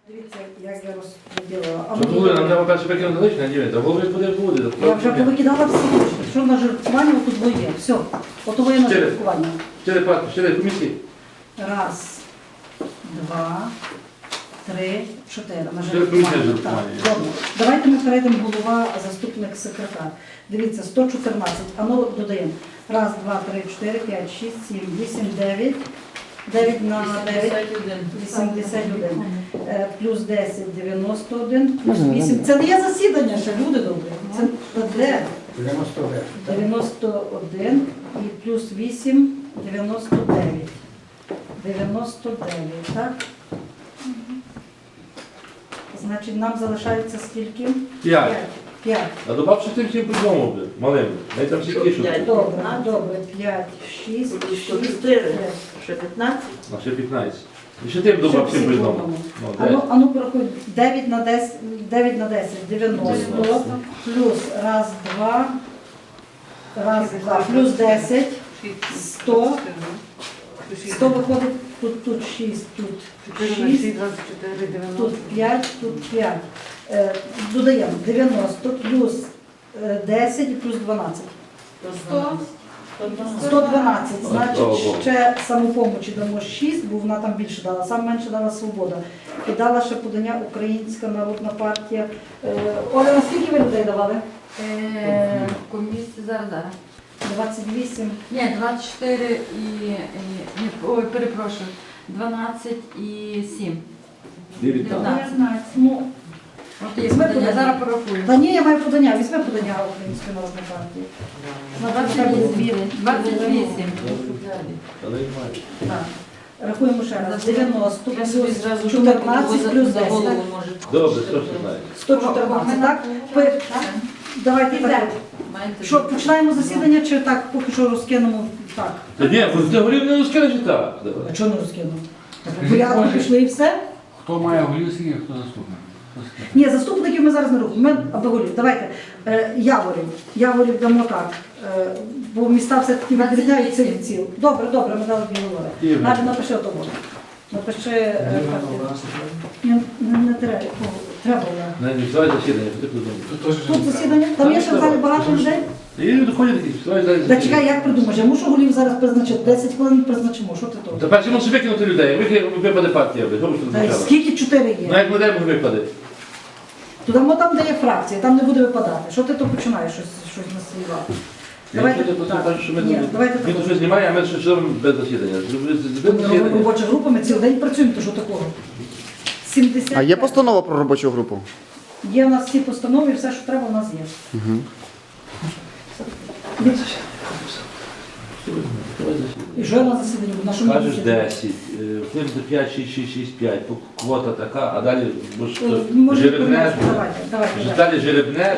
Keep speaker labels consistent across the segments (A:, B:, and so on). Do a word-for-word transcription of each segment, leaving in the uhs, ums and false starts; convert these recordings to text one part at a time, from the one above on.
A: Дивіться, як я розподілила. А
B: Що
A: ну,
B: буде, нам треба перше викинути лишнє, ні, та голови буде буде.
A: я вже повикидала всі лишні. Що на жертвування, отут двоє. Все. От двоє на
B: Чотири.
A: жертвування.
B: Чотири партії, чотири комісії.
A: Раз, два, три, чотири. На
B: Чотири комісії на жертвування.
A: Так, добре. Давайте ми перейдемо голова, заступник, секретар. Дивіться, сто чотирнадцять. А ну додаємо. Раз, два, три, чотири, п'ять, шість, сім, вісім, дев'ять. дев'ять на дев'ять. вісімдесят один. Е, Плюс десять, дев'яносто один. Плюс вісім. Це не є засідання ще, люди добрі. Це де? дев'яносто один. І плюс вісім, дев'яносто дев'ять. дев'яносто дев'ять, так? Значить, нам залишається скільки?
B: П'ять.
A: П'ять.
B: А добавши тим всім по-другому буде, малим. Навіть там всі кішуть.
A: Добре, добре. П'ять, шість, шість,
C: чотири,
A: п'ять.
C: ще п'ятнадцять.
B: А ще п'ятнадцять. І ще тим добав всім по-одному. Ну,
A: А ну,
B: де?
A: а ну порахуй, дев'ять на десять, дев'ять на десять, дев'яносто, плюс раз, два, раз, два, плюс десять, сто, сто виходить, тут, тут шість, тут шість, тут п'ять, тут п'ять. Е, додаємо дев'яносто плюс е, десять і плюс дванадцять. сто дванадцять, значить ще самопомочі дамо шість, бо вона там більше дала, саме менше дала Свобода. І дала ще подання Українська народна партія. Е, Оля, наскільки ви людей давали?
D: Е, Комісія зараз, зараз.
A: двадцять вісім.
D: Ні, двадцять чотири і, і ні, ой, перепрошую, дванадцять і сім.
B: дев'ятнадцять.
D: дев'ятнадцять.
A: Ну,
D: От є подання, я зараз порахую.
A: та ні, я маю подання, візьми подання Української народної партії. На
D: двадцять вісім. двадцять вісім.
B: Та не має.
A: Так. Рахуємо ще раз. дев'яносто плюс чотирнадцять плюс десять. так?
B: Добре, що ж знає.
A: сто чотирнадцять, так? Ви- Давайте так. Що, починаємо засідання чи так поки що розкинемо так?
B: Та ні, бо ти горів не розкажеш так. Давай.
A: А чого не розкинемо? Порядно пішли і все?
E: Хто має голівський, а хто заступник? Хто скаже?
A: Ні, заступників ми зараз не рухаємо. Ми аби голів. Давайте. Е, Яворів. Яворів дамо так. Е, бо міста все-таки відрізняються від ціл. Добре, добре, ми дали дві говори.
B: Ігор.
A: Навіть напиши того. Напиши. е, Ні, не, не треба. О, Треба. я.
B: Не, не вставай засідання, що ти придумав.
A: Тут засідання. Там є ще в залі багато людей.
B: І люди ходять такі, вставай зараз
A: Та
B: засідання.
A: чекай, як придумаєш? Я мушу голів зараз призначити. десять хвилин призначимо. Що ти тут?
B: Та перше мусиш викинути людей, Вики- випаде партія, що ви
A: Та й
B: тут
A: скільки чотири є?
B: Ну як ми даємо випаде?
A: Туди там, де є фракція, там не буде випадати. Що ти то починаєш щось, щось насилювати? Давайте
B: Я просто
A: так.
B: кажу, що ми
A: Ні,
B: тут-
A: давайте
B: Він тут щось знімає, а ми щось робимо без засідання. Без
A: Робимо
B: засідання.
A: робоча група, ми цілий день працюємо, то що такого? сімдесят.
F: А є постанова про робочу групу?
A: Є у нас всі постанови, і все, що треба, у нас є.
F: Угу.
A: І що я на засіданні буду? На що ми
B: Кажеш
A: засідаємо?
B: десять, вплив до п'ять, шість, шість, шість, п'ять, квота така, а далі будеш
A: Е, Може,
B: жеребнеш,
A: давайте, давайте.
B: вже
A: давайте.
B: далі жеребнеш.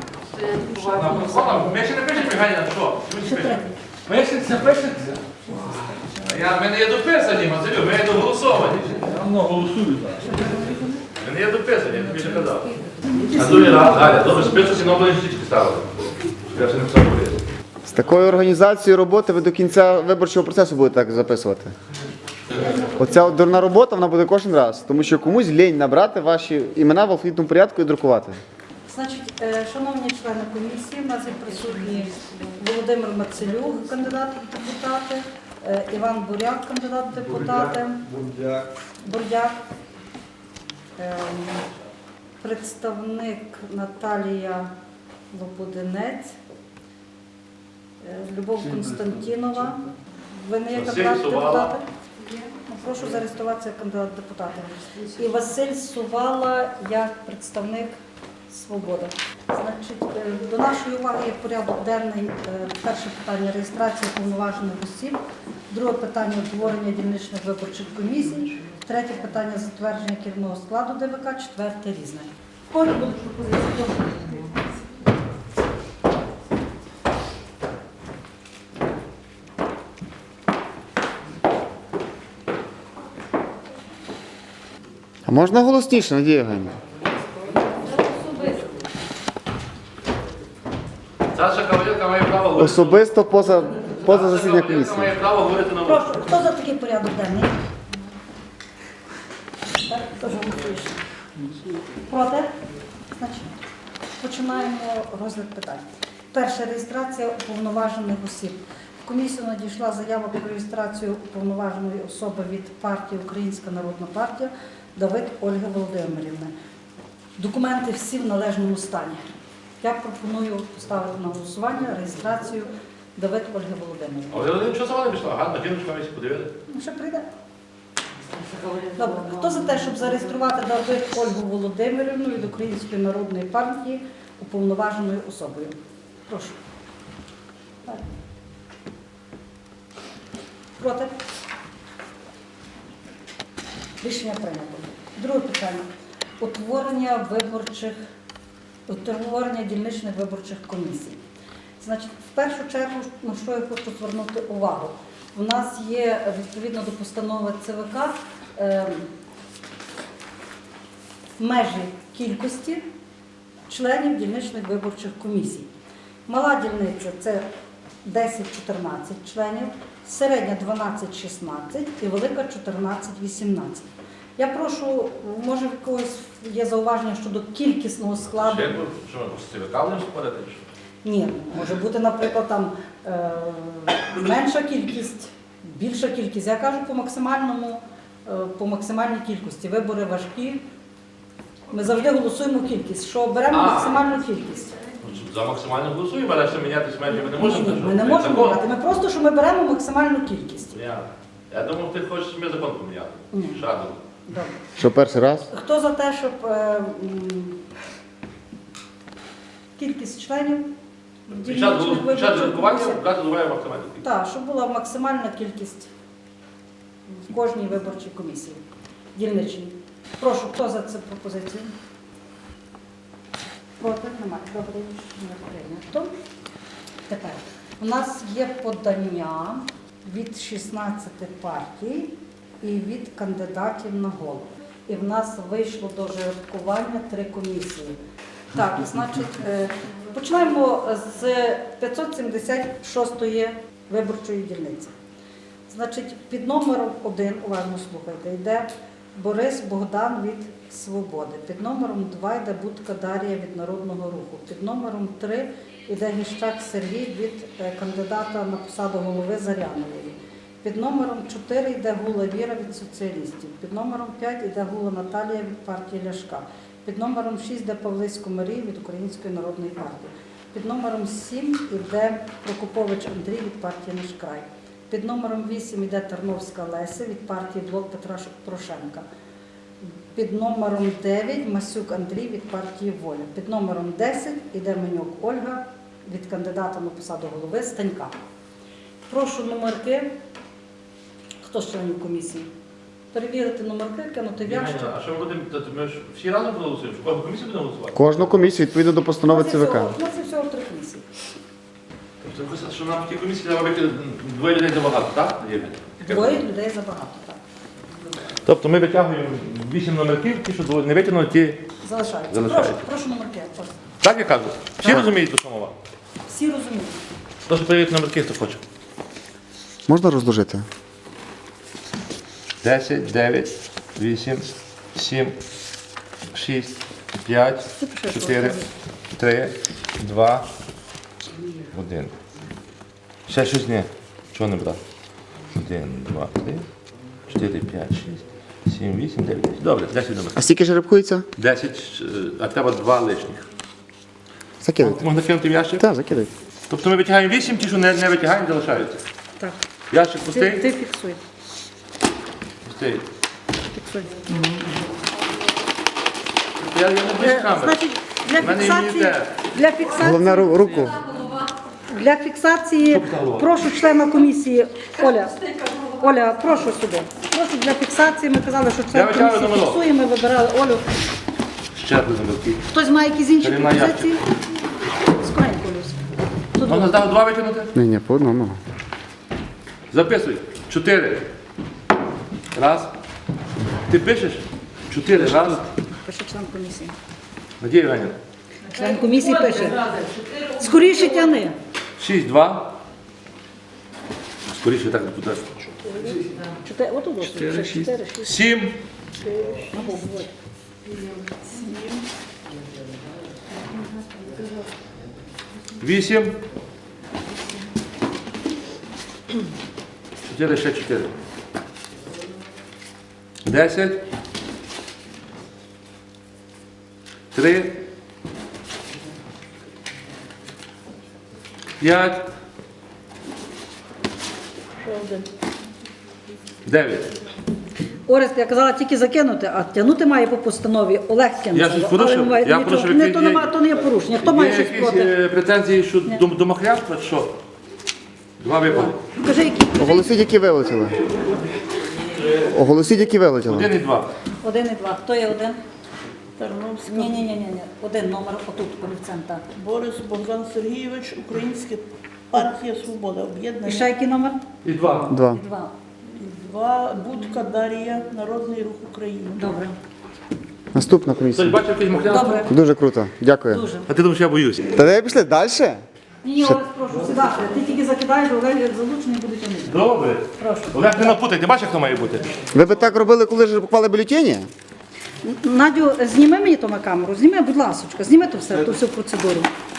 G: Ми ще не пишемо пригання на що?
A: Ще третє.
G: Пишеться, пишеться. Я, ми не є дописані, Мазелю, ми є доголосовані.
B: Ну, голосують.
G: Ми не є дописані, я тобі вже казав.
B: А другий раз, Галя, добре, список на області стрічки ставили. Я ще не писав поліс.
F: З такою організацією роботи ви до кінця виборчого процесу будете так записувати. Оця от дурна робота, вона буде кожен раз, тому що комусь лінь набрати ваші імена в алфавітному порядку і друкувати.
A: Значить, е, шановні члени комісії, у нас є присутні Володимир Мацелюк, кандидат в депутати, е, Іван Буряк, кандидат в депутати, Бурдяк, е, представник Наталія Лободинець, е, Любов Константінова. Ви не є
G: Василь
A: кандидат в
G: Сувала.
A: депутати? Ну, прошу зареєструватися як кандидат в депутати. І Василь Сувала як представник Свобода. Значить, е, до нашої уваги є порядок денний. Е, Перше питання – реєстрація повноважених осіб. Друге питання – утворення дільничних виборчих комісій. Третє питання – затвердження керівного складу ДВК. Четверте – різне. Коли будуть пропозиції?
F: А можна голосніше, Надія Євгенівна?
G: Саша Кавалєнка має право говорити.
F: Особисто поза, поза
G: Саша
F: засіданням
G: Кавалєнка
F: комісії.
G: має право говорити на
A: Прошу, хто за такий порядок денний? Так. Теж голосуєш. Проти? Значить, починаємо розгляд питань. Перша реєстрація уповноважених осіб. В комісію надійшла заява про реєстрацію уповноваженої особи від партії Українська Народна партія Давид Ольги Володимирівни. Документи всі в належному стані. Я пропоную поставити на голосування реєстрацію Давид Ольги Володимирівни.
B: Але один що сама не пішла? Гарно, жіночка ми подивили.
A: Ну, ще прийде. Добре. Хто за те, щоб зареєструвати Давид Ольгу Володимирівну від Української Народної партії уповноваженою особою? Прошу. Так. Проти? Рішення прийнято. Друге питання. Утворення виборчих, утворення дільничних виборчих комісій. Значить, в першу чергу, на що я хочу звернути увагу. У нас є, відповідно до постанови ЦВК, е, межі кількості членів дільничних виборчих комісій. Мала дільниця – це десять-чотирнадцять членів, середня дванадцять-шістнадцять і велика чотирнадцять-вісімнадцять. Я прошу, може в когось є зауваження щодо кількісного складу?
B: Ще, що ми з ЦВК будемо спорити? чи що?
A: Ні, може бути, наприклад, там е, менша кількість, більша кількість. Я кажу по максимальному, е, по максимальній кількості. Вибори важкі. Ми завжди голосуємо кількість, що беремо
B: А.
A: максимальну кількість.
B: За максимально голосуємо, але ще мінятись менше ми не
A: Ні,
B: можемо.
A: ні,
B: що?
A: ми не можемо
B: Закон.
A: брати. Ми просто, що ми беремо максимальну кількість.
B: Я, я думав, ти хочеш ми закон поміняти.
A: Ні.
B: Шаду.
A: Добре.
F: Що перший раз?
A: Хто за те, щоб е, м, кількість членів
B: Під час голос- під час
A: виборчих
B: голосування
A: комісій?
B: брати називає максимально.
A: Так, щоб була максимальна кількість в кожній виборчій комісії. Дільничній. Прошу, хто за цю пропозицію? Проти? Немає. Добре, не прийнято. Тепер, у нас є подання від шістнадцяти партій і від кандидатів на голову. І в нас вийшло до жеребкування три комісії. Так, значить, е, починаємо з п'ятсот сімдесят шостої виборчої дільниці. Значить, під номером один, уважно слухайте, йде Борис Богдан від Свободи. Під номером два йде Будка Дар'я від Народного Руху. Під номером три йде Гіщак Сергій від е, кандидата на посаду голови Зарянової. Під номером чотири йде Гула Віра від соціалістів. Під номером п'ять йде Гула Наталія від партії Ляшка. Під номером шість йде Павлисько Марій від Української Народної партії. Під номером сім йде Прокопович Андрій від партії «Наш край». Під номером вісім йде Тарновська Леся від партії «Блок Петра Порошенка». Під номером дев'ять Масюк Андрій від партії «Воля». Під номером десять йде Менюк Ольга від кандидата на посаду голови Станька. Прошу номерки. Хто з членів комісії? Перевірити номерки, кинути в ящик.
B: А що ми будемо, то ми ж всі разом проголосуємо? Що кожну комісію будемо голосувати?
F: Кожну комісію відповідно до постанови
A: У нас є
F: ЦВК.
A: всього- У нас є всього три комісії.
B: Тобто писати, що нам в тій комісії треба вийти двоє людей забагато, так? Євген?
A: Двоє людей забагато, так.
B: Тобто ми витягуємо вісім номерків, ті, що не витягнули, ті...
A: Залишаються.
B: Залишаються.
A: Прошу, прошу номерки. прошу.
B: Так я кажу? Всі
A: Так.
B: розуміють, про що мова?
A: Всі розуміють.
B: Прошу перевірити номерки, хто хоче.
F: Можна розложити?
B: десять, дев'ять, вісім, сім, шість, п'ять, чотири, три, два, один. Ще щось ні. Чого не брати? один, два, три, чотири, п'ять, шість, сім, вісім, дев'ять, десять. Добре, десять номерів.
F: А скільки жеребкується?
B: десять, е, а треба два лишніх.
F: Закидайте.
B: Можна кинути в ящик?
F: Так, закидайте.
B: Тобто ми витягаємо вісім, ті, що не, не витягаємо, залишаються.
A: Так.
B: Ящик
A: Ти,
B: пустий?
A: ти фіксуй.
B: Пустий.
A: Фіксуй.
B: Я, я не без
A: Е,
B: камери.
A: Значить, для
B: В мене
A: фіксації,
B: імунітет.
A: для фіксації,
F: Головне ру- руку.
A: для фіксації
B: голова?
A: прошу члена комісії Оля. Оля, прошу сюди. Прошу для фіксації. Ми казали, що
B: Я
A: член
B: витягую
A: комісії
B: номерок.
A: фіксує. Ми вибирали Олю.
B: Ще один номерки.
A: Хтось має якісь інші
B: Перейма
A: пропозиції? Скоренько, Люсь. Тут
B: Можна здав два витягнути?
F: Ні, ні, по одному.
B: Записуй. Чотири. Раз. Ти пишеш? Чотири. Раз.
A: пише член комісії.
B: Надія Іванівна.
A: Член комісії пише. Скоріше тяни.
B: Шість, два. Скоріше так буде.
A: Чотири. Отут ось. Чотири, шість.
B: Сім, Вісім. Чотири, ще чотири. Десять. Три. П'ять. Дев'ять.
A: Орест, я казала тільки закинути, а тягнути має по постанові. Олег тягнув.
B: Я щось порушив?
A: Але немає
B: Я
A: нічого.
B: порушив,
A: Не,
B: які
A: то,
B: є-
A: нема, то не є порушення. Хто має
B: Є
A: щось
B: якісь
A: проти?
B: е, претензії щодо дом- домохлябства, чи що? Два випади.
A: Кажи, які?
F: Оголосіть, які вилетіли. Оголосіть, які вилетіли.
B: Один і два.
A: Один і два. Хто є один?
C: Тарновська.
A: Ні, ні, ні, ні, ні. Один номер отут, олівцем, так.
C: Борис Богдан Сергійович, Українська партія Свобода,
A: І
C: об'єднання.
A: ще який номер?
B: І два.
F: Два.
A: І два.
C: Два, Будка Дар'я, Народний рух України.
A: Добре.
F: Наступна
B: Хтось
F: комісія.
B: бачив якийсь махлябство?
A: Добре.
F: Дуже круто. Дякую.
A: Дуже.
B: А ти думаєш, я боюсь?
F: Та де пішли далі?
A: Ні, ні, Орест, прошу сідати. Ти тільки закидаєш, Олег як залучений буде тягнути.
B: Добре.
A: Прошу.
B: Олег, не напутай, ти бачиш, хто має бути?
F: Ви би так робили, коли ж поклали бюлетені?
A: Надю, зніми мені то на камеру, зніми, будь ласочка, зніми то все, ту всю процедуру.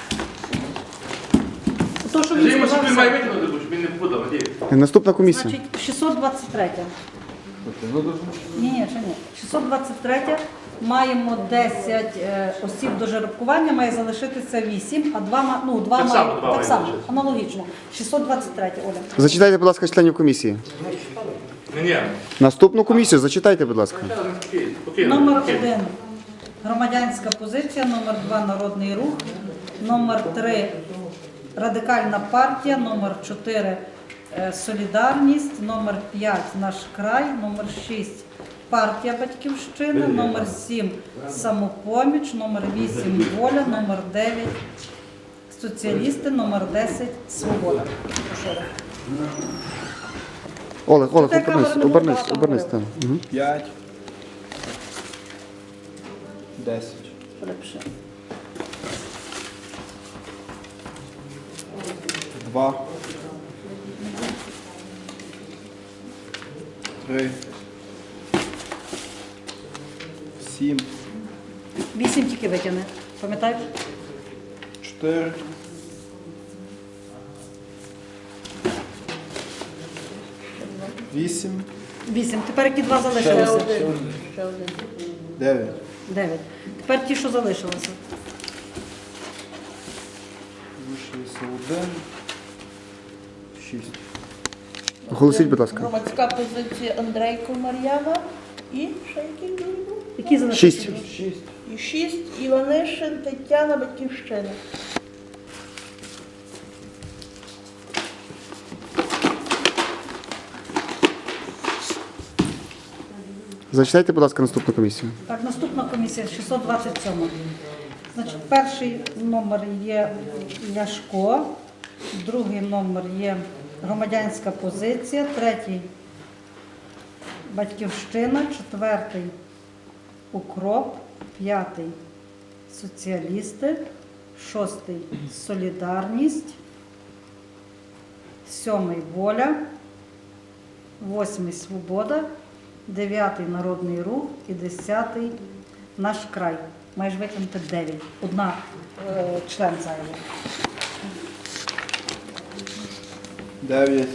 A: То, що він
B: Йому
A: сказав,
B: собі має
A: все.
B: витягнути, бо щоб він не попадав, надію.
F: Наступна комісія.
A: Значить, шістсот двадцять три. Ні, ні, ще ні. шістсот двадцять три. Маємо десять е, осіб до жеребкування, має залишитися вісім, а два, ма- ну, два
B: Так
A: має,
B: само два
A: так
B: має
A: само,
B: залишитися.
A: аналогічно. шістсот двадцять три, Оля.
F: Зачитайте, будь ласка, членів комісії.
B: Ні, ні.
F: Наступну комісію зачитайте, будь ласка.
B: Спокійно, спокійно.
A: Номер
B: спокійно.
A: один громадянська позиція, номер два народний рух, номер три радикальна партія, номер чотири е, солідарність, номер п'ять наш край, номер шість партія Батьківщина, номер сім самопоміч, номер вісім воля, номер дев'ять соціалісти, номер десять свобода. Прошу.
F: Олег, Олег,
A: Чекай,
F: обернись,
A: камера не
F: обернись,
A: буде,
F: обернись.
A: там
F: так. Мгм.
H: П'ять. Десять.
A: Ліпше.
H: Два. Три. Сім.
A: Вісім тільки витягни. Пам'ятаєш?
H: Чотири. Вісім.
A: Вісім. Тепер які два залишилися?
H: Дев'ять.
A: Дев'ять. Тепер ті, що залишилися.
H: Залишилося один. Шість.
F: Оголосіть, будь ласка.
C: Громадська позиція Андрейко Мар'яна. І ще який другий був?
A: Які залишилися?
F: Шість.
H: Шість.
C: І шість, Іванишин Тетяна, Батьківщина.
F: Зачитайте, будь ласка, наступну комісію.
A: Так, наступна комісія шістсот двадцять сім. Значить, перший номер є Ляшко, другий номер є громадянська позиція, третій Батьківщина, четвертий Укроп, п'ятий соціалісти, шостий Солідарність, сьомий Воля, восьмий Свобода, дев'ятий Народний рух і десятий Наш край. Маєш викинути дев'ять. Одна е, член зайвий.
H: Дев'ять.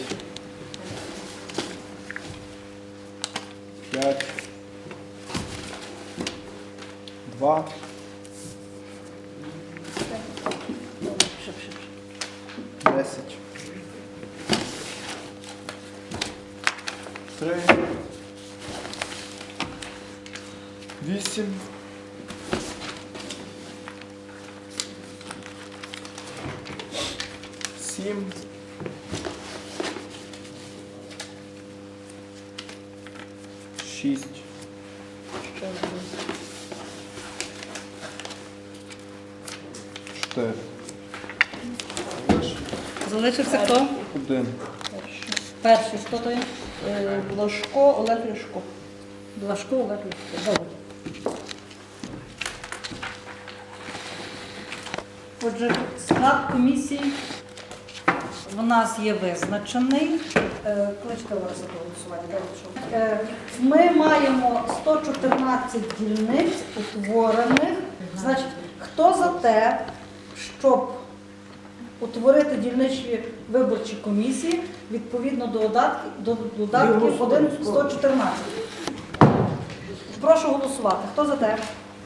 H: П'ять. Два.
A: Шип, шип, шип.
H: Десять. Три. Вісім. Сім. Шість.
C: Ще один.
H: Чотири.
A: Залишився хто?
H: Один.
A: Перший. Хто то є?
C: Е, Блажко Олег Ляшко.
A: Блажко Олег Ляшко. Добре. Отже, склад комісії в нас є визначений. Е, Кличте Лариса до голосування. Добре, що? Е, Ми маємо сто чотирнадцять дільниць утворених. Значить, хто за те, щоб утворити дільничні виборчі комісії відповідно до додатків, до додатків один сто чотирнадцять? Прошу голосувати. Хто за те?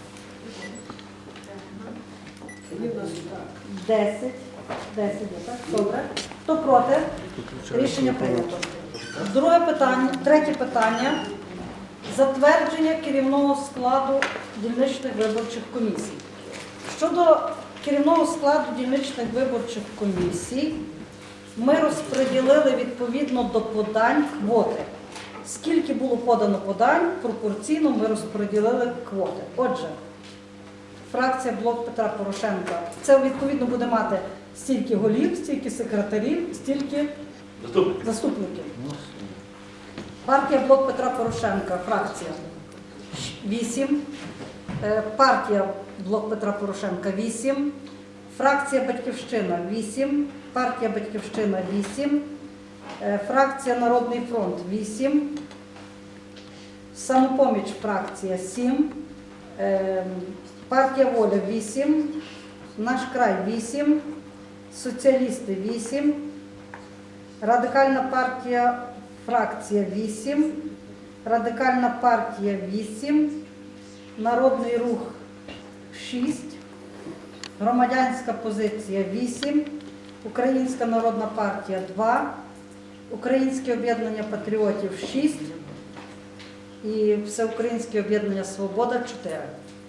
A: Десять. Десять є, так? Добре. Хто проти? Рішення прийнято. Друге питання, третє питання. Затвердження керівного складу дільничних виборчих комісій. Щодо керівного складу дільничних виборчих комісій, ми розподілили відповідно до подань квоти. Скільки було подано подань, пропорційно ми розподілили квоти. Отже, фракція «Блок Петра Порошенка» це відповідно буде мати стільки голів, стільки секретарів, стільки
G: Заступник.
A: заступників. Партія «Блок Петра Порошенка», фракція вісім. Партія «Блок Петра Порошенка» вісім. Фракція «Батьківщина» вісім. Партія «Батьківщина» вісім. Фракція «Народний фронт» вісім. Самопоміч фракція сім. Партія «Воля» вісім. Наш край вісім. Соціалісти вісім. Радикальна партія фракція вісім. Радикальна партія вісім. Народний рух шість. Громадянська позиція вісім. Українська народна партія два. Українське об'єднання патріотів шість. І Всеукраїнське об'єднання Свобода чотири.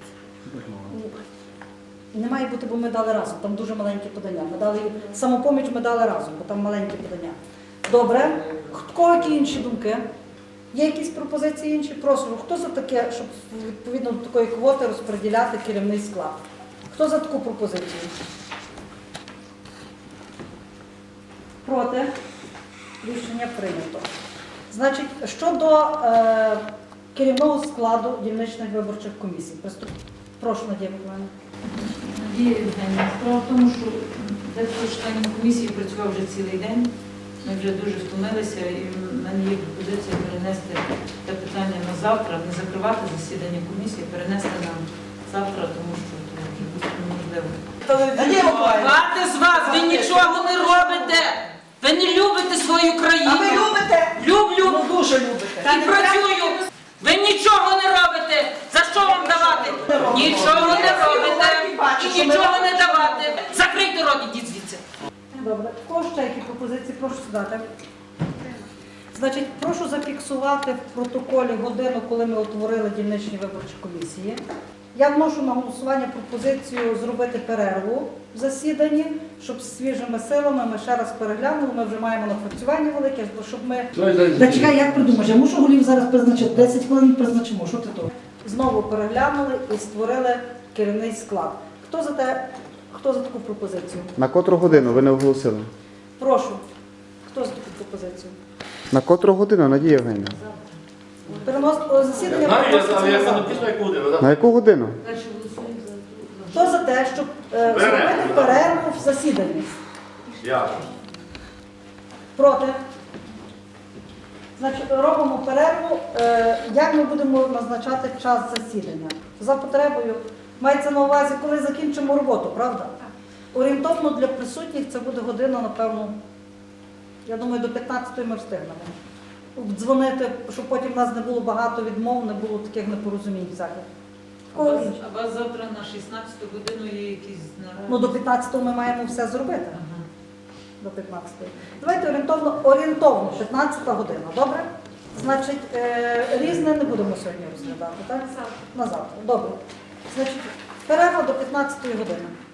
A: Не має бути, бо ми дали разом, там дуже маленькі подання. Ми дали самопоміч, ми дали разом, бо там маленькі подання. Добре. В кого які інші думки? Є якісь пропозиції інші? Прошу, хто за таке, щоб відповідно до такої квоти розподіляти керівний склад? Хто за таку пропозицію? Проти? Рішення прийнято. Значить, щодо е, керівного складу дільничних виборчих комісій. Приступ. Прошу, Надія Миколаївна.
D: Надія Євгенівна, справа в тому, що дехто членів комісії працював вже цілий день. Ми вже дуже втомилися, і в мене є пропозиція перенести це питання на завтра, не закривати засідання комісії, перенести на завтра, тому що це неможливо.
I: Багато з вас, ви нічого не робите. Ви не любите свою країну.
C: А ви любите?
I: Люблю.
C: Ну, дуже любите.
I: І працюю. Ви нічого не робите. За що вам давати? Нічого не робите. І нічого не давати. Закрийте рот, ідіть звідси.
A: Добре. В кого ще які пропозиції? Прошу сідати. Значить, прошу зафіксувати в протоколі годину, коли ми утворили дільничні виборчі комісії. Я вношу на голосування пропозицію зробити перерву в засіданні, щоб з свіжими силами ми ще раз переглянули. Ми вже маємо напрацювання велике, щоб ми... Та чекай, як придумаєш? Я мушу голів зараз призначити. десять хвилин призначимо. Що ти то? Знову переглянули і створили керівний склад. Хто за те, хто за таку пропозицію?
F: На котру годину ви не оголосили?
A: Прошу. Хто за таку пропозицію?
F: На котру годину, Надія Євгенівна?
A: Перенос о, засідання
G: Знаю, я
A: переноситься
G: знаю,
A: на
G: я
A: завтра.
G: після як буде.
F: На яку годину?
D: Перше голосуємо за ту.
A: Хто за те, щоб е, зробити перерву в засіданні?
G: Я.
A: Проти? Значить, робимо перерву. Е, як ми будемо назначати час засідання? За потребою. Мається на увазі, коли закінчимо роботу, правда? Орієнтовно для присутніх це буде година, напевно, я думаю, до п'ятнадцятої ми встигнемо. Дзвонити, щоб потім в нас не було багато відмов, не було таких непорозумінь всяких. В
D: А у
A: кого
D: вас,
A: інше?
D: а у вас завтра на шістнадцяту годину є якісь наради?
A: Ну, до п'ятнадцятого ми маємо все зробити.
D: Ага.
A: До п'ятнадцятої. Давайте орієнтовно, орієнтовно п'ятнадцята година, добре? Значить, е, різне не будемо сьогодні розглядати, так? На завтра. Добре. Значить, перерва до п'ятнадцятої години.